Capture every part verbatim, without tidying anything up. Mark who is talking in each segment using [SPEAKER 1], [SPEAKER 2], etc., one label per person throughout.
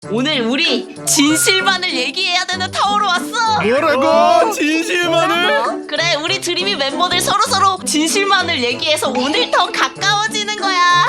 [SPEAKER 1] 오늘 우리 진실만을 얘기해야 되는 타워로 왔어.
[SPEAKER 2] 뭐라고? 진실만을?
[SPEAKER 1] 그래, 우리 드림이 멤버들 서로서로 진실만을 얘기해서 오늘 더 가까워지는 거야.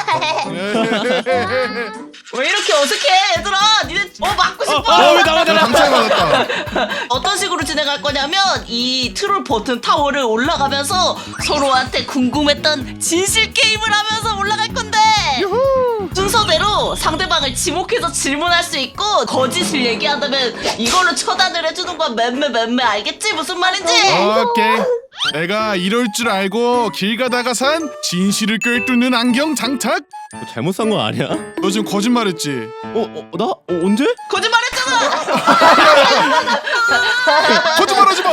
[SPEAKER 1] 왜 이렇게 어색해 얘들아? 니네 어 맞고 싶어?
[SPEAKER 2] 아, 왜 나만 나만
[SPEAKER 3] 당첨 받았다.
[SPEAKER 1] 어떤 식으로 진행할 거냐면 이 트롤 버튼 타워를 올라가면서 서로한테 궁금했던 진실 게임을 하면서 올라갈 건데 순서대로 상대방을 지목해서 질문할 수 있고 거짓을 얘기한다면 이걸로 처단을 해주는 거야. 맴매 맴매 알겠지? 무슨 말인지?
[SPEAKER 3] 오케이. 내가 이럴 줄 알고 길 가다가 산 진실을 꿰뚫는 안경 장착.
[SPEAKER 2] 너 잘못 산 거 아니야?
[SPEAKER 3] 너 지금 거짓말했지?
[SPEAKER 2] 어? 어? 나? 어, 언제?
[SPEAKER 1] 거짓말했잖아.
[SPEAKER 3] 거짓말하지 마.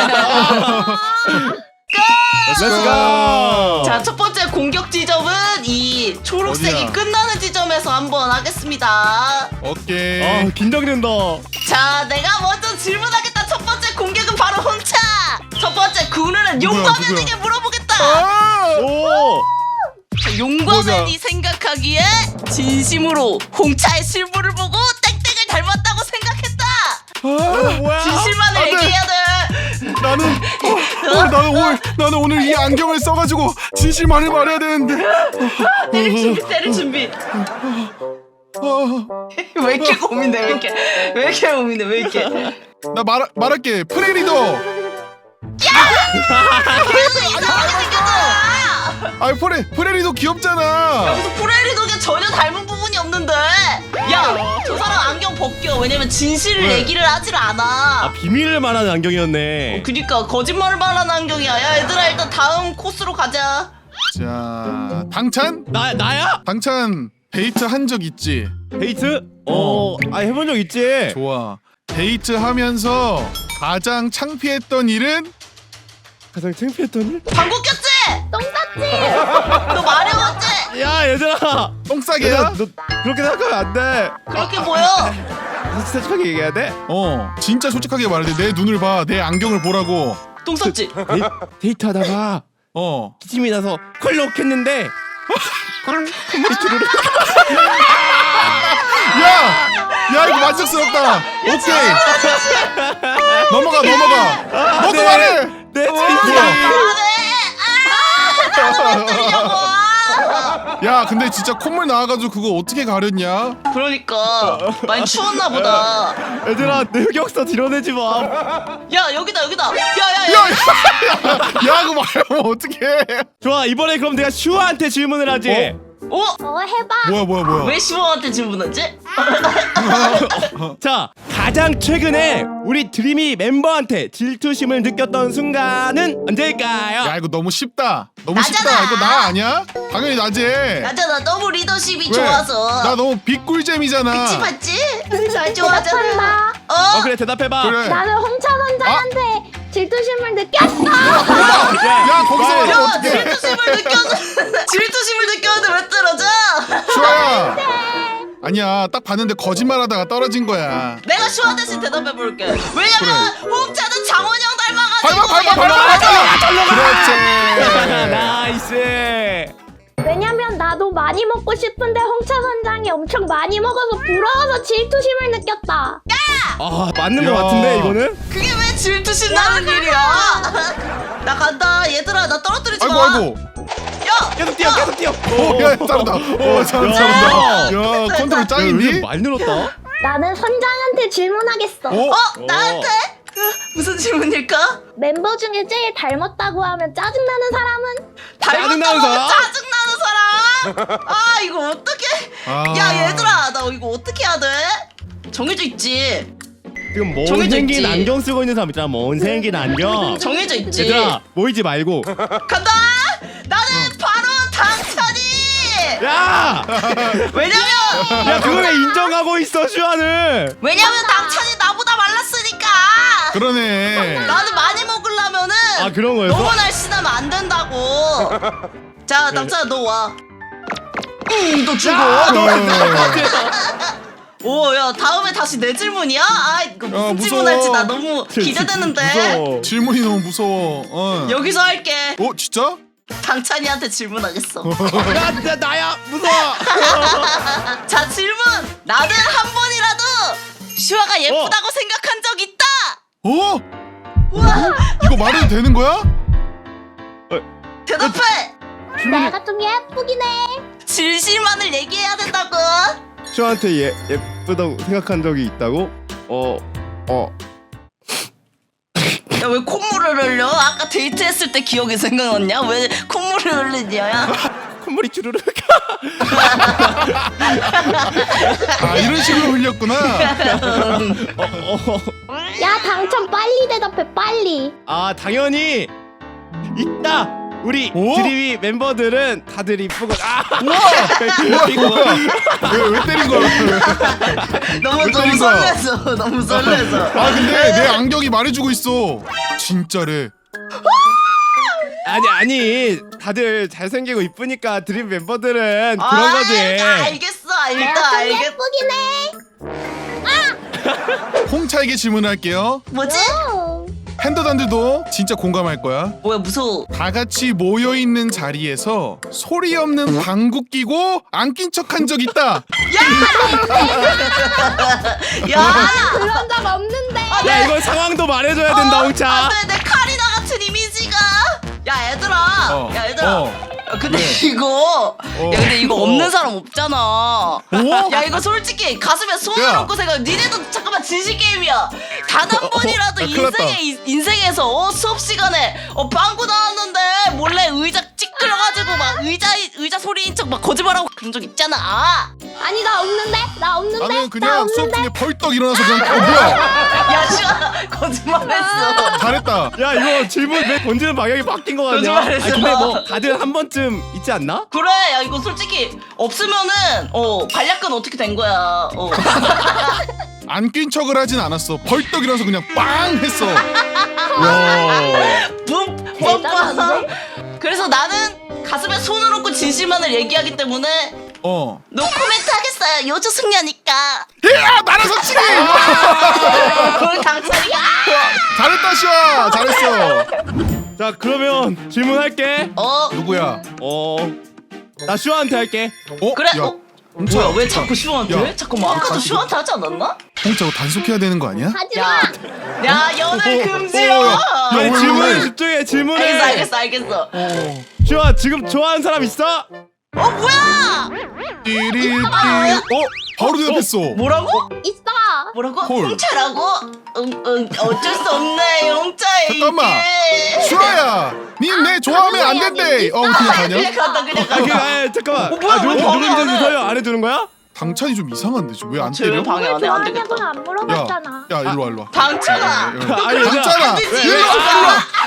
[SPEAKER 2] Let's go!
[SPEAKER 1] 자, 첫 번째 공격 지점은 이 초록색이
[SPEAKER 3] 어디야?
[SPEAKER 1] 끝나는 지점에서 한번 하겠습니다.
[SPEAKER 3] 오케이.
[SPEAKER 2] 아 긴장된다.
[SPEAKER 1] 자, 내가 먼저 질문하겠다. 첫 번째 공격은 바로 홍차. 첫 번째 군우는
[SPEAKER 3] 누구야,
[SPEAKER 1] 용과맨에게 물어보겠다.
[SPEAKER 3] 아!
[SPEAKER 2] 오!
[SPEAKER 1] 자, 용과맨이 생각하기에 진심으로 홍차의 실물을 보고 땡땡을 닮았다고 생각했다.
[SPEAKER 3] 아,
[SPEAKER 2] 뭐야?
[SPEAKER 1] 진실만을
[SPEAKER 3] 안 돼.
[SPEAKER 1] 얘기해야 돼.
[SPEAKER 3] 나는 어, 어, 나는 오늘 나는 오늘 이 안경을 써가지고 진실만을 말해야 되는데.
[SPEAKER 1] 때릴 준비, 때릴 준비.
[SPEAKER 3] 어,
[SPEAKER 1] 왜 이렇게 고민돼? 왜 이렇게? 왜 이렇게 고민돼? 왜 이렇게?
[SPEAKER 3] 나 말 말할게. 프레리더.
[SPEAKER 1] 계속 이상하게 생겼잖아.
[SPEAKER 3] 아 프레 프레리더 귀엽잖아.
[SPEAKER 1] 여기서 프레리독에 전혀 닮은 부분이 없는데. 야, 저 사람 안경 벗겨. 왜냐면 진실을
[SPEAKER 3] 왜?
[SPEAKER 1] 얘기를 하질 않아.
[SPEAKER 2] 아 비밀을 말하는 안경이었네.
[SPEAKER 1] 그니까 거짓말을 말하는 안경이야. 야, 얘들아 일단 다음 코스로 가자.
[SPEAKER 3] 자, 당찬?
[SPEAKER 2] 나 나야?
[SPEAKER 3] 당찬 데이트 한 적 있지?
[SPEAKER 2] 데이트? 어, 아 해본 적 있지.
[SPEAKER 3] 좋아. 데이트 하면서 가장 창피했던 일은?
[SPEAKER 2] 가장 창피했던 일?
[SPEAKER 1] 방구 꼈지? 똥 쌌지? 너 마려웠지?
[SPEAKER 2] 야 얘들아.
[SPEAKER 3] 똥싸개야?
[SPEAKER 2] 얘들아, 너 그렇게 생각하면 안 돼.
[SPEAKER 1] 그렇게 보여.
[SPEAKER 2] 솔직하게 얘기해야 돼.
[SPEAKER 3] 어, 진짜 솔직하게 말해. 내 눈을 봐. 내 안경을 보라고.
[SPEAKER 1] 똥 쌌지?
[SPEAKER 2] 데이, 데이트하다가
[SPEAKER 3] 어.
[SPEAKER 2] 기침이 나서 콜록했는데 콧물이 주르륵.
[SPEAKER 3] 야! 야, 이거 만족스럽다. 오케이. 넘어가, 넘어가. 너도
[SPEAKER 2] 네.
[SPEAKER 3] 말해.
[SPEAKER 2] 내
[SPEAKER 3] 뭐야?
[SPEAKER 2] 진짜.
[SPEAKER 3] 야, 근데 진짜 콧물 나와가지고 그거 어떻게 가렸냐?
[SPEAKER 1] 그러니까 많이 추웠나 보다.
[SPEAKER 2] 얘들아 내 흑역사 드러내지 마.
[SPEAKER 1] 야, 여기다 여기다.
[SPEAKER 3] 야,
[SPEAKER 1] 야야야.
[SPEAKER 3] 야, 야, 야, 그거 말하면 어떡해.
[SPEAKER 2] 좋아 이번에 그럼 내가 슈아한테 질문을 하지.
[SPEAKER 1] 어?
[SPEAKER 4] 어 해봐.
[SPEAKER 3] 뭐야, 뭐야, 뭐야.
[SPEAKER 1] 왜 시모한테 질문하지?
[SPEAKER 2] 자 가장 최근에 우리 드림이 멤버한테 질투심을 느꼈던 순간은 언제일까요?
[SPEAKER 3] 야, 이거 너무 쉽다. 너무
[SPEAKER 1] 나잖아.
[SPEAKER 3] 쉽다. 이거 나 아니야? 당연히 나지.
[SPEAKER 1] 나잖아, 너무 리더십이
[SPEAKER 3] 왜?
[SPEAKER 1] 좋아서.
[SPEAKER 3] 나 너무 빅꿀잼이잖아.
[SPEAKER 1] 그치 봤지? 잘 좋아하잖아.
[SPEAKER 4] 대답한다.
[SPEAKER 1] 어?
[SPEAKER 2] 어 그래 대답해봐.
[SPEAKER 3] 그래.
[SPEAKER 4] 나는 홍차 선장한테 질투심을 느꼈어.
[SPEAKER 3] 야, 거기서 말하면
[SPEAKER 1] 야,
[SPEAKER 3] 어떡해.
[SPEAKER 1] 질투심을 느껴서 질투심을 느꼈는데 왜 떨어져?
[SPEAKER 3] 슈아야. 아니야, 딱 봤는데 거짓말하다가 떨어진 거야.
[SPEAKER 1] 내가 슈아 대신 대답해 볼게. 왜냐면 홍차는 장원영
[SPEAKER 3] 밟아,
[SPEAKER 1] 닮아가지고.
[SPEAKER 3] 밟아, 밟아, 밟아. 그렇지.
[SPEAKER 2] 나이스.
[SPEAKER 4] 왜냐면 나도 많이 먹고 싶은데 홍차 선장이 엄청 많이 먹어서 부러워서 질투심을 느꼈다.
[SPEAKER 2] 아 맞는
[SPEAKER 3] 야.
[SPEAKER 2] 거 같은데 이거는?
[SPEAKER 1] 그게 왜 질투심 나는 일이야? 나 간다. 얘들아, 나 떨어뜨리지
[SPEAKER 3] 아이고,
[SPEAKER 1] 마.
[SPEAKER 3] 아이고.
[SPEAKER 1] 야,
[SPEAKER 2] 계속 뛰어 계속 뛰어.
[SPEAKER 3] 오, 야, 잘한다. 오, 잘한다, 잘한다. 야, 컨트롤 짱인데?
[SPEAKER 2] 많이 늘었다.
[SPEAKER 4] 나는 선장한테 질문하겠어.
[SPEAKER 3] 어?
[SPEAKER 1] 어, 나한테? 어, 무슨 질문일까?
[SPEAKER 4] 멤버 중에 제일 닮았다고 하면 짜증나는 사람은?
[SPEAKER 2] 짜증나는
[SPEAKER 1] 닮았다고
[SPEAKER 2] 사람?
[SPEAKER 1] 짜증나는 사람? 아, 이거 어떡해?
[SPEAKER 3] 아.
[SPEAKER 1] 야, 얘들아, 나 이거 어떻게 해야 돼? 정해져 있지.
[SPEAKER 2] 지금 먼
[SPEAKER 1] 정해져
[SPEAKER 2] 생긴
[SPEAKER 1] 있지.
[SPEAKER 2] 안경 쓰고 있는 사람 있잖아. 먼 생긴 안경.
[SPEAKER 1] 정해져 있지.
[SPEAKER 2] 얘들아 모이지 말고.
[SPEAKER 1] 간다. 나는 바로 당찬이.
[SPEAKER 2] 야!
[SPEAKER 1] 왜냐면
[SPEAKER 2] 야 그거 왜 인정하고 있어 슈아는?
[SPEAKER 1] 왜냐면 당찬이 나보다 말랐으니까.
[SPEAKER 3] 그러네.
[SPEAKER 1] 나는 많이 먹으려면은
[SPEAKER 2] 아 그런 거였어?
[SPEAKER 1] 너무 날씬하면 안 된다고. 자, 남찬아 너 와. 응, 너 죽어. 오, 야, 다음에 다시 내 질문이야? 아, 이거 무슨
[SPEAKER 3] 야, 무서워.
[SPEAKER 1] 질문할지 나 너무 기대되는데.
[SPEAKER 2] 무서워.
[SPEAKER 3] 질문이 너무 무서워. 어.
[SPEAKER 1] 여기서 할게.
[SPEAKER 3] 어, 진짜?
[SPEAKER 1] 당찬이한테 질문하겠어.
[SPEAKER 2] 야, 나, 나야 무서워.
[SPEAKER 1] 자, 질문. 나는 한 번이라도 여자가 예쁘다고 생각한 적 있다.
[SPEAKER 3] 어? 이거 말해도 되는 거야?
[SPEAKER 1] 대답해.
[SPEAKER 4] 내가 좀 예쁘긴 해.
[SPEAKER 1] 진실만을 얘기해야 된다고.
[SPEAKER 2] 슈아한테 예, 예쁘다고 생각한 적이 있다고? 어... 어...
[SPEAKER 1] 야 왜 콧물을 흘려? 아까 데이트했을 때 기억이 생각났냐? 왜 콧물을 흘리냐?
[SPEAKER 2] 콧물이 주르륵.
[SPEAKER 3] 아 이런 식으로 흘렸구나.
[SPEAKER 2] 어, 어.
[SPEAKER 4] 야 당첨 빨리 대답해 빨리.
[SPEAKER 2] 아 당연히 있다. 우리
[SPEAKER 3] 오?
[SPEAKER 2] 드림이 멤버들은 다들 이쁘고 아 이거
[SPEAKER 3] 왜, 왜 때린 거야?
[SPEAKER 1] 너무
[SPEAKER 3] 왜
[SPEAKER 1] 너무
[SPEAKER 3] 때린 거야?
[SPEAKER 1] 설레서 너무 설레서.
[SPEAKER 3] 아 근데 내 안경이 말해주고 있어. 진짜래.
[SPEAKER 2] 아니 아니 다들 잘생기고 이쁘니까 드림 멤버들은 그런
[SPEAKER 1] 아,
[SPEAKER 2] 거지.
[SPEAKER 1] 알겠어,
[SPEAKER 4] 내가
[SPEAKER 1] 알다
[SPEAKER 4] 좀
[SPEAKER 1] 알겠.
[SPEAKER 4] 예쁘긴 해.
[SPEAKER 3] 홍차에게 질문할게요.
[SPEAKER 1] 뭐지?
[SPEAKER 4] 어.
[SPEAKER 3] 팬더단들도 진짜 공감할 거야.
[SPEAKER 1] 뭐야 무서워.
[SPEAKER 3] 다 같이 모여 있는 자리에서 소리 없는 방구 끼고 안 낀 척한 적 있다.
[SPEAKER 1] 야,
[SPEAKER 4] 그런 적 없는데.
[SPEAKER 2] 야 이건 상황도 말해줘야 된다 홍차.
[SPEAKER 1] 안돼 내 카리나 같은 이미지가. 야 얘들아,
[SPEAKER 3] 어,
[SPEAKER 1] 야 얘들아.
[SPEAKER 3] 어.
[SPEAKER 1] 야, 근데
[SPEAKER 3] 네.
[SPEAKER 1] 이거,
[SPEAKER 3] 어.
[SPEAKER 1] 야 근데 이거
[SPEAKER 3] 어.
[SPEAKER 1] 없는 사람 없잖아.
[SPEAKER 3] 어?
[SPEAKER 1] 야 이거 솔직히 가슴에 손을
[SPEAKER 3] 야.
[SPEAKER 1] 얹고 생각. 니네도 잠깐만 진실 게임이야. 단 한 번이라도
[SPEAKER 3] 야, 큰일 났다.
[SPEAKER 1] 인생에 인- 인생에서 어, 수업 시간에 어 방구 나왔는데 몰래 의자 찌끄려가지고 막 의자 의자 소리인 척 막 거짓말하고 그런 적 있잖아.
[SPEAKER 4] 아니 나 없는데. 나 없는데.
[SPEAKER 3] 나는
[SPEAKER 4] 나
[SPEAKER 3] 그냥 수업
[SPEAKER 4] 없는데.
[SPEAKER 3] 중에 벌떡 일어나서 그냥 어 뭐야?
[SPEAKER 1] 야 시아 거짓말했어.
[SPEAKER 3] 잘했다.
[SPEAKER 2] 야 이거 질문 왜 던지는 방향이 바뀐 거 같냐? 아
[SPEAKER 1] 거짓말했어.
[SPEAKER 2] 근데 뭐 다들 한 번쯤 있지 않나?
[SPEAKER 1] 그래 야 이거 솔직히 없으면은 어 관략근 어떻게 된 거야. 어.
[SPEAKER 3] 안 낀 척을 하진 않았어. 벌떡 일어나서 그냥 빵 했어.
[SPEAKER 2] 야.
[SPEAKER 1] 붐
[SPEAKER 4] 대단한데?
[SPEAKER 1] 뻔뻔. 그래서 나는 가슴에 손을 얹고 진실만을 얘기하기 때문에
[SPEAKER 3] 어.
[SPEAKER 1] 노코멘트 하겠어요. 요조 승려니까.
[SPEAKER 3] 야 나라서 치기.
[SPEAKER 1] 그걸 강철이가.
[SPEAKER 3] 잘했다 시아. 잘했어.
[SPEAKER 2] 자 그러면 질문할게.
[SPEAKER 1] 어
[SPEAKER 3] 누구야?
[SPEAKER 2] 어나 슈아한테 할게.
[SPEAKER 3] 어?
[SPEAKER 1] 그래.
[SPEAKER 3] 야,
[SPEAKER 1] 어
[SPEAKER 3] 홍차,
[SPEAKER 1] 뭐야 왜
[SPEAKER 3] 홍차.
[SPEAKER 1] 자꾸 슈한테?
[SPEAKER 3] 야,
[SPEAKER 1] 잠깐만 아까도
[SPEAKER 3] 야,
[SPEAKER 1] 슈한테 하지 않았나?
[SPEAKER 3] 홍차 이거 단속해야 되는 거 아니야?
[SPEAKER 4] 하지
[SPEAKER 1] 야,
[SPEAKER 4] 마.
[SPEAKER 1] 야 연애
[SPEAKER 3] 어,
[SPEAKER 1] 금지요.
[SPEAKER 3] 어, 야.
[SPEAKER 2] 아니
[SPEAKER 3] 왜,
[SPEAKER 2] 질문에
[SPEAKER 3] 왜?
[SPEAKER 2] 집중해 질문에.
[SPEAKER 1] 알겠어 알겠어 알겠어.
[SPEAKER 3] 어.
[SPEAKER 2] 슈아 지금 좋아하는 사람 있어?
[SPEAKER 1] 어 뭐야?
[SPEAKER 3] 띠리띠. 어? 바로 대답했어.
[SPEAKER 1] 뭐라고?
[SPEAKER 4] 있어.
[SPEAKER 1] 뭐라고?
[SPEAKER 3] 헐.
[SPEAKER 1] 홍차라고? 응, 응, 어쩔 수 없네 홍차에게.
[SPEAKER 3] 잠깐만. 슈아야, 니 내 좋아하면 안 된대. 어, 그냥
[SPEAKER 1] 그냥
[SPEAKER 3] 가냐?
[SPEAKER 1] 간다 그냥
[SPEAKER 2] 아, 그,
[SPEAKER 1] 간다.
[SPEAKER 2] 아 잠깐만.
[SPEAKER 1] 어, 뭐야,
[SPEAKER 2] 아, 누구
[SPEAKER 1] 왜 방해 안
[SPEAKER 2] 누군지
[SPEAKER 1] 해?
[SPEAKER 2] 서요 안 해주는 거야?
[SPEAKER 3] 당찬이 좀 이상한데 지금 왜 안
[SPEAKER 1] 쟤왜
[SPEAKER 3] 때려?
[SPEAKER 1] 방해 안 해? 안 되겠다.
[SPEAKER 4] 좋아하냐고는 안
[SPEAKER 3] 야,
[SPEAKER 4] 물어봤잖아.
[SPEAKER 3] 야 이리 와 이리 와.
[SPEAKER 1] 당찬아.
[SPEAKER 3] 야, 야, 야.
[SPEAKER 2] 아니,
[SPEAKER 3] 당찬아.
[SPEAKER 1] 안 되지.
[SPEAKER 3] 일로 와 일로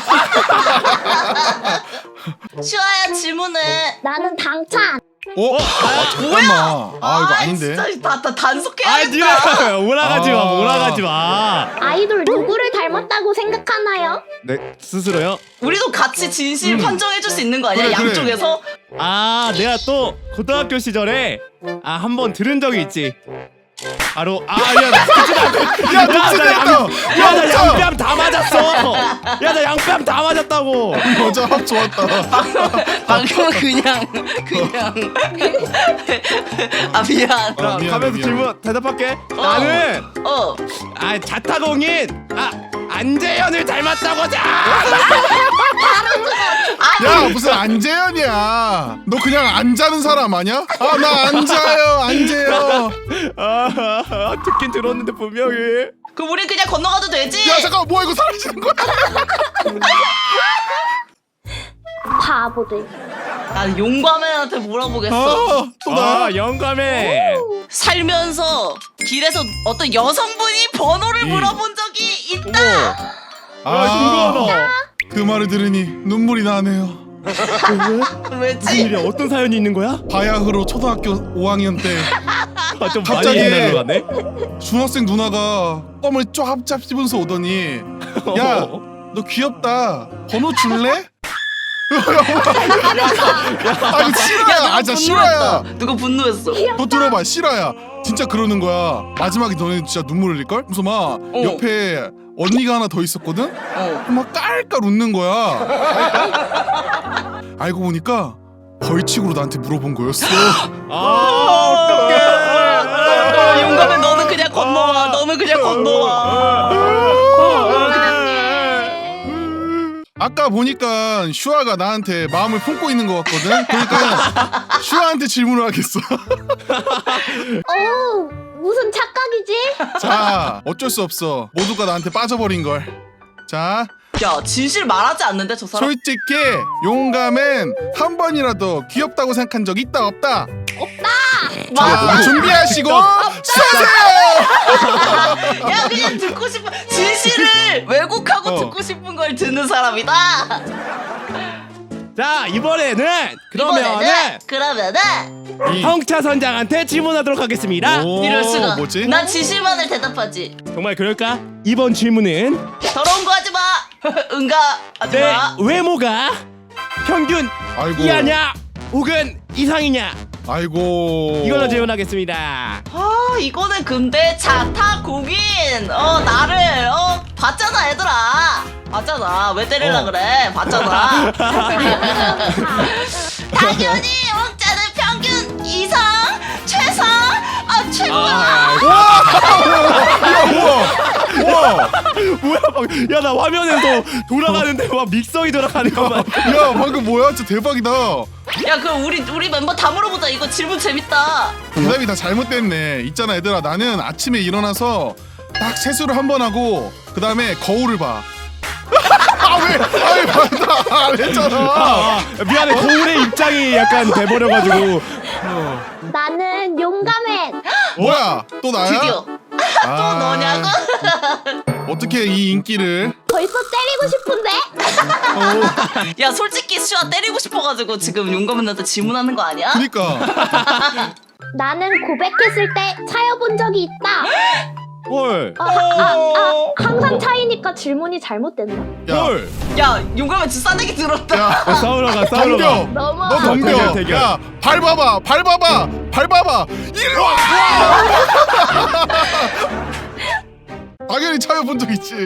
[SPEAKER 3] 와.
[SPEAKER 1] 슈아야 질문해.
[SPEAKER 4] 나는 당찬.
[SPEAKER 3] 어? 아 잠깐만. 아 이거 아닌데.
[SPEAKER 1] 진짜 다, 다
[SPEAKER 2] 아
[SPEAKER 1] 단속해야겠다.
[SPEAKER 2] 니네 몰아가지 마
[SPEAKER 3] 아.
[SPEAKER 2] 몰아가지 마.
[SPEAKER 4] 아이돌 누구를 닮았다고 생각하나요?
[SPEAKER 2] 네 스스로요?
[SPEAKER 1] 우리도 같이 진실 판정해줄 수 있는 거 아니야?
[SPEAKER 3] 음. 그래, 그래.
[SPEAKER 1] 양쪽에서?
[SPEAKER 2] 아 내가 또 고등학교 시절에 아 한 번 들은 적이 있지. 바로 아야
[SPEAKER 3] 야 녹색이었다.
[SPEAKER 2] 야나 양뺨 다 맞았어. 야 나 양뺨 다 맞았다고.
[SPEAKER 3] 여자 합 좋았다.
[SPEAKER 1] 방금은 그냥 그냥 아 미안.
[SPEAKER 2] 자
[SPEAKER 3] 아, 미안해,
[SPEAKER 2] 가면서
[SPEAKER 3] 미안해.
[SPEAKER 2] 질문 대답할게. 나는
[SPEAKER 1] 어
[SPEAKER 2] 아 자타공인 아 안재현을 닮았다고 자.
[SPEAKER 3] 야 무슨 안재현이야. 너 그냥 안 자는 사람 아니야? 아 나 안 자요 안 자요.
[SPEAKER 2] 아 듣긴 들었는데 분명히.
[SPEAKER 1] 그럼 우리 그냥 건너가도 되지?
[SPEAKER 3] 야 잠깐 뭐야 이거 사라지는 거야?
[SPEAKER 4] 바보들.
[SPEAKER 1] 난 용과맨한테 물어보겠어.
[SPEAKER 3] 아, 또 나.
[SPEAKER 2] 아 영감해.
[SPEAKER 1] 살면서 길에서 어떤 여성분이 번호를
[SPEAKER 3] 이.
[SPEAKER 1] 물어본 적이 있다.
[SPEAKER 2] 아 궁금하다.
[SPEAKER 3] 그 말을 들으니 눈물이 나네요.
[SPEAKER 2] 무슨
[SPEAKER 1] 왜지?
[SPEAKER 2] 일이야? 어떤 사연이 있는 거야?
[SPEAKER 3] 바야흐로 초등학교 오 학년 때
[SPEAKER 2] 아, 좀
[SPEAKER 3] 갑자기-
[SPEAKER 2] 많이 옛날로 가네.
[SPEAKER 3] 중학생 누나가 껌을 쫙 짭씹으면서 오더니 야 너 귀엽다 번호 줄래? 아 이거 실화야. 아 진짜 실화야.
[SPEAKER 1] 누가 분노했어?
[SPEAKER 3] 너 들어봐 실화야. 진짜 그러는 거야. 마지막에 너네 진짜 눈물 흘릴걸? 그래서 막 옆에 언니가 하나 더 있었거든?
[SPEAKER 1] 어.
[SPEAKER 3] 막 깔깔 웃는 거야. 알고 보니까 벌칙으로 나한테 물어본 거였어.
[SPEAKER 2] 아 어떡해.
[SPEAKER 1] 아, 용감해 너는 그냥 건너와. 너는 몸을 그냥 건너와. 그냥
[SPEAKER 3] 아까 보니까 슈아가 나한테 마음을 품고 있는 것 같거든. 그러니까 슈아한테 질문을 하겠어.
[SPEAKER 4] 어 무슨 착각이지?
[SPEAKER 3] 자, 어쩔 수 없어. 모두가 나한테 빠져버린 걸. 자,
[SPEAKER 1] 야 진실 말하지 않는데 저 사람.
[SPEAKER 3] 솔직히 용감은 한 번이라도 귀엽다고 생각한 적 있다 없다? 자,
[SPEAKER 1] 맞아.
[SPEAKER 3] 준비하시고 쏘세요.
[SPEAKER 1] 야 그냥 듣고 싶은 진실을 왜곡하고
[SPEAKER 3] 어.
[SPEAKER 1] 듣고 싶은 걸 듣는 사람이다.
[SPEAKER 2] 자 이번에는 그러면은
[SPEAKER 1] 이번에는 그러면은
[SPEAKER 3] 이-
[SPEAKER 2] 형차 선장한테 질문하도록 하겠습니다.
[SPEAKER 3] 오,
[SPEAKER 1] 이럴 수가.
[SPEAKER 3] 뭐지?
[SPEAKER 1] 난 진실만을 대답하지.
[SPEAKER 2] 정말 그럴까? 이번 질문은
[SPEAKER 1] 더러운 거 하지 마. 응가 하지
[SPEAKER 2] 내
[SPEAKER 1] 마.
[SPEAKER 2] 외모가 평균
[SPEAKER 3] 아이고.
[SPEAKER 2] 이하냐 혹은 이상이냐
[SPEAKER 3] 아이고.
[SPEAKER 2] 이걸로 질문하겠습니다.
[SPEAKER 1] 아 이거는 근데 자타 공인 어 나를 어 봤잖아 얘들아. 봤잖아. 왜 때리려
[SPEAKER 3] 어.
[SPEAKER 1] 그래? 봤잖아. 당연히 왕자는 평균 이상 최상 아 최고야.
[SPEAKER 3] 우와.
[SPEAKER 2] 뭐야 방- 야 나 화면에서 돌아가는데 막 믹서기 돌아가는 것만.
[SPEAKER 3] 야, 방금 뭐야? 진짜 대박이다.
[SPEAKER 1] 야 그럼 우리 우리 멤버 다 물어보자. 이거 질문 재밌다.
[SPEAKER 3] 대답이 다 잘못됐네. 있잖아, 얘들아. 나는 아침에 일어나서 딱 세수를 한 번 하고 그 다음에 거울을 봐. 아 왜? 아왜 봤다 안 했잖아.
[SPEAKER 2] 아, 미안해 거울의 입장이 약간 돼버려가지고.
[SPEAKER 4] 나는 용감해.
[SPEAKER 3] 뭐야? 또 나야?
[SPEAKER 1] 드디어 또
[SPEAKER 3] 아,
[SPEAKER 1] 너냐고?
[SPEAKER 3] 어떻게 이 인기를?
[SPEAKER 4] 벌써 때리고 싶은데?
[SPEAKER 1] 야 솔직히 슈아 때리고 싶어가지고 지금 용감한테 질문하는 거 아니야?
[SPEAKER 3] 그니까.
[SPEAKER 4] 나는 고백했을 때 차여본 적이 있다.
[SPEAKER 2] 헐.
[SPEAKER 4] 아, 아, 아, 항상 차이니까 질문이 잘못됐나?
[SPEAKER 3] 야,
[SPEAKER 2] 헐.
[SPEAKER 1] 야 용감한 주싸대기 들었다.
[SPEAKER 3] 야,
[SPEAKER 2] 어, 싸우러 가 싸우러 가.
[SPEAKER 3] 덤벼.
[SPEAKER 4] 너무
[SPEAKER 3] 너 덤벼.
[SPEAKER 2] 대결, 대결.
[SPEAKER 3] 야, 밟아봐, 밟아봐, 밟아봐. 이리 와. 당연히 차여본 적 있지.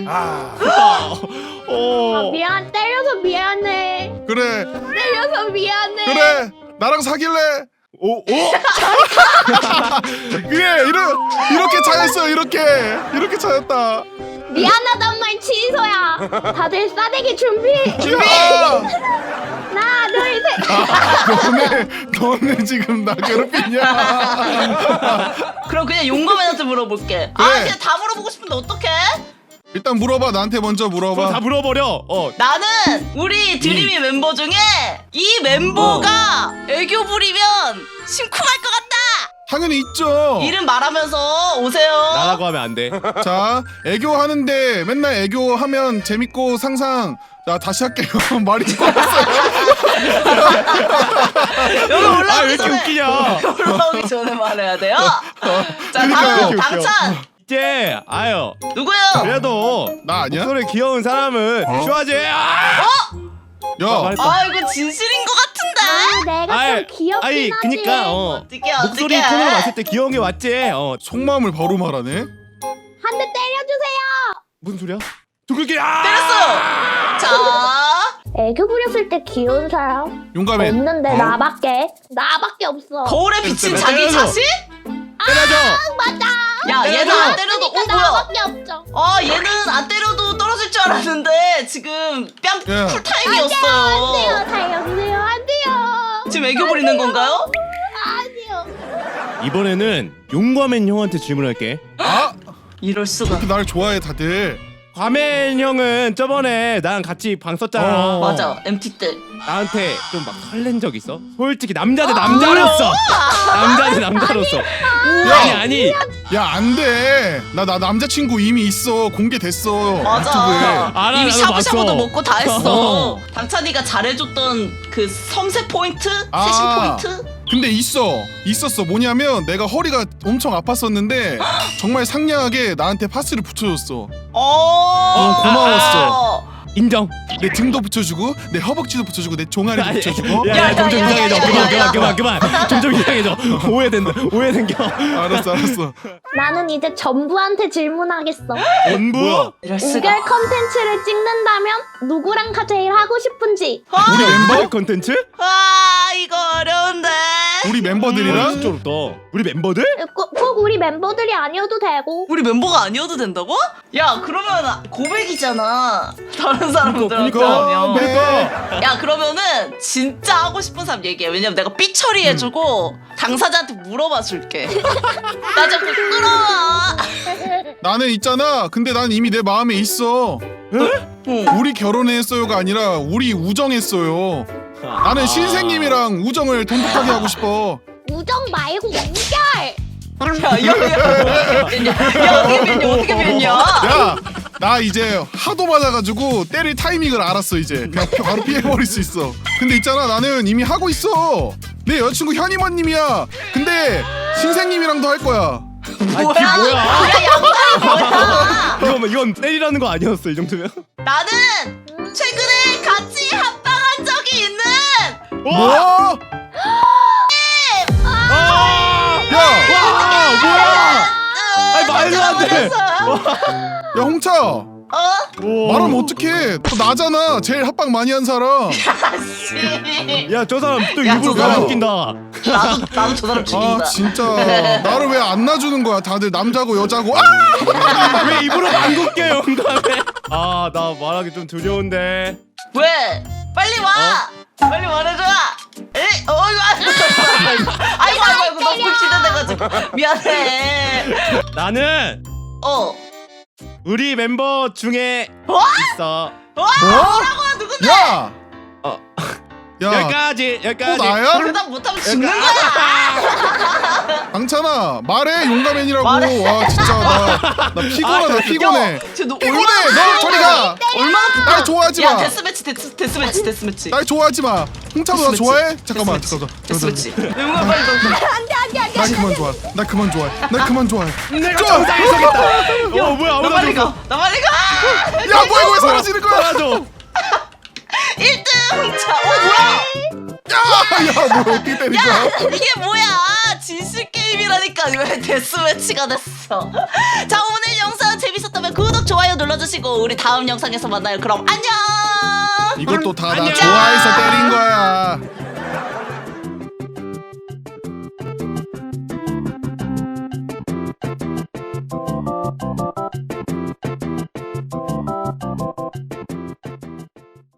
[SPEAKER 2] 어.
[SPEAKER 4] 미안 때려서 미안해.
[SPEAKER 3] 그래,
[SPEAKER 4] 때려서 미안해.
[SPEAKER 3] 그래. 나랑 사귈래?
[SPEAKER 2] 오 오.
[SPEAKER 3] 그래, 이러, 이렇게 차였어, 이렇게. 이렇게 차였다.
[SPEAKER 4] 미안하단 말 취소야. 다들 싸대기 준비.
[SPEAKER 3] 준비!
[SPEAKER 4] 하나 둘 셋.
[SPEAKER 3] 너네, 너네 지금 나 괴롭히냐?
[SPEAKER 1] 그럼 그냥 용감한테 물어볼게. 아
[SPEAKER 3] 그래.
[SPEAKER 1] 그냥 다 물어보고 싶은데 어떡해?
[SPEAKER 3] 일단 물어봐, 나한테 먼저
[SPEAKER 2] 그거 다
[SPEAKER 3] 물어봐.
[SPEAKER 2] 물어버려. 어.
[SPEAKER 1] 나는 우리 드림이 멤버 중에 이 멤버가 애교 부리면 심쿵할 것 같다.
[SPEAKER 3] 당연히 있죠.
[SPEAKER 1] 이름 말하면서 오세요.
[SPEAKER 2] 나라고 하면 안 돼.
[SPEAKER 3] 자, 애교 하는데 맨날 애교 하면 재밌고 상상. 자, 다시 할게요. 말이 꼬였어요.
[SPEAKER 1] 여기
[SPEAKER 2] 아 왜
[SPEAKER 1] 올라오기
[SPEAKER 2] 이렇게
[SPEAKER 1] 전에
[SPEAKER 2] 웃기냐?
[SPEAKER 1] 올라오기 전에 말해야 돼요. 자
[SPEAKER 3] 그러니까
[SPEAKER 1] 다음
[SPEAKER 2] 이렇게 웃겨.
[SPEAKER 1] 당찬
[SPEAKER 2] 이제 아유
[SPEAKER 1] 누구요?
[SPEAKER 2] 그래도
[SPEAKER 3] 나 아니야?
[SPEAKER 2] 목소리 귀여운 사람은 슈아지. 아!
[SPEAKER 3] 야,
[SPEAKER 2] 말했다.
[SPEAKER 1] 아 이거 진실인 것 같은데.
[SPEAKER 4] 아, 내가
[SPEAKER 2] 아이,
[SPEAKER 4] 좀 귀엽긴
[SPEAKER 2] 아이,
[SPEAKER 4] 하지.
[SPEAKER 2] 그니까 어.
[SPEAKER 1] 어떻게 어떻게?
[SPEAKER 2] 목소리 톤으로 봤을 때 귀여운 게 맞지? 어.
[SPEAKER 3] 속마음을 바로 말하네.
[SPEAKER 4] 한 대 때려주세요.
[SPEAKER 2] 무슨 소리야? 두들기. 아!
[SPEAKER 1] 때렸어. 자
[SPEAKER 4] 애교 부렸을 때 귀여운 사람
[SPEAKER 3] 용감해.
[SPEAKER 4] 없는데
[SPEAKER 3] 어?
[SPEAKER 4] 나밖에 나밖에 없어.
[SPEAKER 1] 거울에 비친
[SPEAKER 2] 때려,
[SPEAKER 1] 자기
[SPEAKER 2] 때려줘.
[SPEAKER 1] 자신?
[SPEAKER 2] 때려줘.
[SPEAKER 4] 맞아.
[SPEAKER 1] 야 얘는 안 때려도
[SPEAKER 4] 그러니까
[SPEAKER 1] 어 뭐야?
[SPEAKER 4] 나밖에 없죠.
[SPEAKER 1] 아 얘는 안 때려도 떨어질 줄 알았는데 지금 뺨
[SPEAKER 3] 야.
[SPEAKER 1] 쿨타임이었어요.
[SPEAKER 4] 안 돼요, 살려주세요. 안 돼요.
[SPEAKER 1] 지금 애교 부리는 건가요?
[SPEAKER 4] 아니요.
[SPEAKER 2] 이번에는 용과맨 형한테 질문할게.
[SPEAKER 3] 아,
[SPEAKER 1] 이럴 수가.
[SPEAKER 3] 이렇게 날 좋아해 다들.
[SPEAKER 2] 과맨 형은 저번에 나랑 같이 방 썼잖아.
[SPEAKER 3] 어.
[SPEAKER 1] 맞아 엠티 때.
[SPEAKER 2] 나한테 좀 막 설렌 적 있어? 솔직히 남자 대 남자로서. 남자 대 남자로서. 아니 아니.
[SPEAKER 3] 야, 안 돼. 나, 나 남자친구 이미 있어. 공개됐어.
[SPEAKER 1] 맞아.
[SPEAKER 3] 유튜브에.
[SPEAKER 2] 알아,
[SPEAKER 1] 이미
[SPEAKER 2] 나도
[SPEAKER 1] 샤브샤브도
[SPEAKER 2] 봤어.
[SPEAKER 1] 먹고 다 했어.
[SPEAKER 2] 어.
[SPEAKER 1] 당찬이가 잘해줬던 그 섬세 포인트,
[SPEAKER 3] 아.
[SPEAKER 1] 세심 포인트.
[SPEAKER 3] 근데 있어. 있었어. 뭐냐면 내가 허리가 엄청 아팠었는데 정말 상냥하게 나한테 파스를 붙여줬어.
[SPEAKER 1] 어.
[SPEAKER 3] 고마웠어.
[SPEAKER 2] 인정.
[SPEAKER 3] 내 등도 붙여주고 내 허벅지도 붙여주고 내 종아리 붙여주고.
[SPEAKER 2] 야,
[SPEAKER 1] 야,
[SPEAKER 2] 야, 점점
[SPEAKER 1] 야, 야,
[SPEAKER 2] 이상해져.
[SPEAKER 1] 야,
[SPEAKER 2] 그만,
[SPEAKER 1] 야, 야.
[SPEAKER 2] 그만, 그만, 그만. 점점 이상해져. 오해된다. 오해생겨.
[SPEAKER 3] 알았어, 알았어.
[SPEAKER 4] 나는 이제 전부한테 질문하겠어.
[SPEAKER 2] 전부?
[SPEAKER 3] 뭐야?
[SPEAKER 1] 이럴 수가.
[SPEAKER 4] 우결 컨텐츠를 찍는다면 누구랑 가 제일 하고 싶은지.
[SPEAKER 2] 우리 멤버 컨텐츠?
[SPEAKER 1] 아 이거 어려운데.
[SPEAKER 3] 우리 멤버들이랑
[SPEAKER 2] 진짜 어렵다. 우리 멤버들?
[SPEAKER 4] 꼭, 꼭 우리 멤버들이 아니어도 되고.
[SPEAKER 1] 우리 멤버가 아니어도 된다고? 야 그러면 고백이잖아. 다른 사람들한테
[SPEAKER 2] 그러니까,
[SPEAKER 1] 하면.
[SPEAKER 2] 그러니까.
[SPEAKER 1] 야 그러면은 진짜 하고 싶은 사람 얘기해. 왜냐면 내가 삐 처리해주고 당사자한테 물어봐 줄게. 나 자꾸 끌어와.
[SPEAKER 3] 나는 있잖아. 근데 난 이미 내 마음에 있어.
[SPEAKER 1] 응.
[SPEAKER 3] 우리 결혼했어요가 아니라 우리 우정했어요. 나는 신생님이랑 우정을 돈독하게 하고 싶어.
[SPEAKER 4] 우정 말고 우결.
[SPEAKER 1] 야야야 어떻게 변냐? 야 어떻게 변냐? 어떻게 변냐?
[SPEAKER 3] 야, 나 이제 하도 맞아가지고 때릴 타이밍을 알았어 이제. 그냥 바로 피해버릴 수 있어. 근데 있잖아, 나는 이미 하고 있어. 내 여자친구 현이머님이야. 근데 신생님이랑도 할 거야.
[SPEAKER 2] 아니,
[SPEAKER 1] 뭐야?
[SPEAKER 2] 그게 뭐야?
[SPEAKER 1] 야 양반이 뭐야?
[SPEAKER 2] 이건 이건 때리라는 거 아니었어 이 정도면?
[SPEAKER 1] 나는 최근에 같이 합방한 적이 있는
[SPEAKER 3] 뭐?
[SPEAKER 2] 아!
[SPEAKER 3] 야,
[SPEAKER 2] 와 뭐야? 아니, 말도 안 돼.
[SPEAKER 3] 야 홍차.
[SPEAKER 1] 어?
[SPEAKER 2] 오.
[SPEAKER 3] 말하면 어떡해. 또 나잖아. 제일 합방 많이 한 사람.
[SPEAKER 1] 아씨.
[SPEAKER 2] 야 저 사람 또
[SPEAKER 1] 야,
[SPEAKER 2] 일부러
[SPEAKER 1] 저 사람.
[SPEAKER 2] 나 웃긴다.
[SPEAKER 1] 나도 나도 저 사람 죽인다.
[SPEAKER 3] 아 진짜 나를 왜 안 놔주는 거야. 다들 남자고 여자고. 아!
[SPEAKER 2] 왜 입으로 안 웃겨 영감에? 아 나 말하기 좀 두려운데.
[SPEAKER 1] 왜? 빨리 와. 빨리 말해줘. 에? 어 이거 아이고 아이고 아이고 너무 기대돼가지고 미안해.
[SPEAKER 2] 나는
[SPEAKER 1] 어.
[SPEAKER 2] 우리 멤버 중에
[SPEAKER 1] 어?
[SPEAKER 2] 있어.
[SPEAKER 1] 와
[SPEAKER 3] 뭐?
[SPEAKER 1] 뭐라고 누군데?
[SPEAKER 3] 야!
[SPEAKER 2] 어.
[SPEAKER 3] 야,
[SPEAKER 2] 여기까지
[SPEAKER 3] 또
[SPEAKER 2] 여기까지.
[SPEAKER 3] 나야?
[SPEAKER 1] 대답 못하면 죽는 거야.
[SPEAKER 3] 강찬아, 말해 용가맨이라고.
[SPEAKER 1] 말해.
[SPEAKER 3] 와 진짜 나, 나 피곤하다.
[SPEAKER 2] 아,
[SPEAKER 3] 피곤해.
[SPEAKER 1] 쟤너
[SPEAKER 3] 피곤해. 너 저리 가.
[SPEAKER 1] 얼마나
[SPEAKER 3] 날 좋아하지
[SPEAKER 1] 야
[SPEAKER 3] 마.
[SPEAKER 1] 데스매치 데스 데스매치 데스매치.
[SPEAKER 3] 날 좋아하지 마. 홍차도 나
[SPEAKER 1] 데스매치.
[SPEAKER 3] 좋아해? 잠깐만,
[SPEAKER 1] 데스매치.
[SPEAKER 3] 잠깐만.
[SPEAKER 1] 데스매치. 용가 빨리 너.
[SPEAKER 4] 안돼 안돼 안돼.
[SPEAKER 3] 나 그만 좋아. 나 그만 좋아해. 나 그만 좋아해.
[SPEAKER 2] 내가
[SPEAKER 3] 좀!
[SPEAKER 2] 정상에 서겠다. 어 뭐야
[SPEAKER 1] 나
[SPEAKER 2] 아무도
[SPEAKER 1] 빨리
[SPEAKER 2] 안
[SPEAKER 1] 가. 나 빨리 가.
[SPEAKER 3] 야 뭐야 이거 왜 사라지는 거야?
[SPEAKER 2] 사라져.
[SPEAKER 1] 일 등 홍차. 어 뭐야?
[SPEAKER 3] 야, 야, 뭐 어떻게 때린 거야?
[SPEAKER 1] 이게 뭐야? 진실 게임이라니까 왜 데스매치가 됐어? 자 오늘 영상 재밌었다면 구독 좋아요 눌러주시고 우리 다음 영상에서 만나요. 그럼 안녕.
[SPEAKER 3] 이것도 다 나
[SPEAKER 2] 안녕.
[SPEAKER 3] 좋아해서 때린 거야.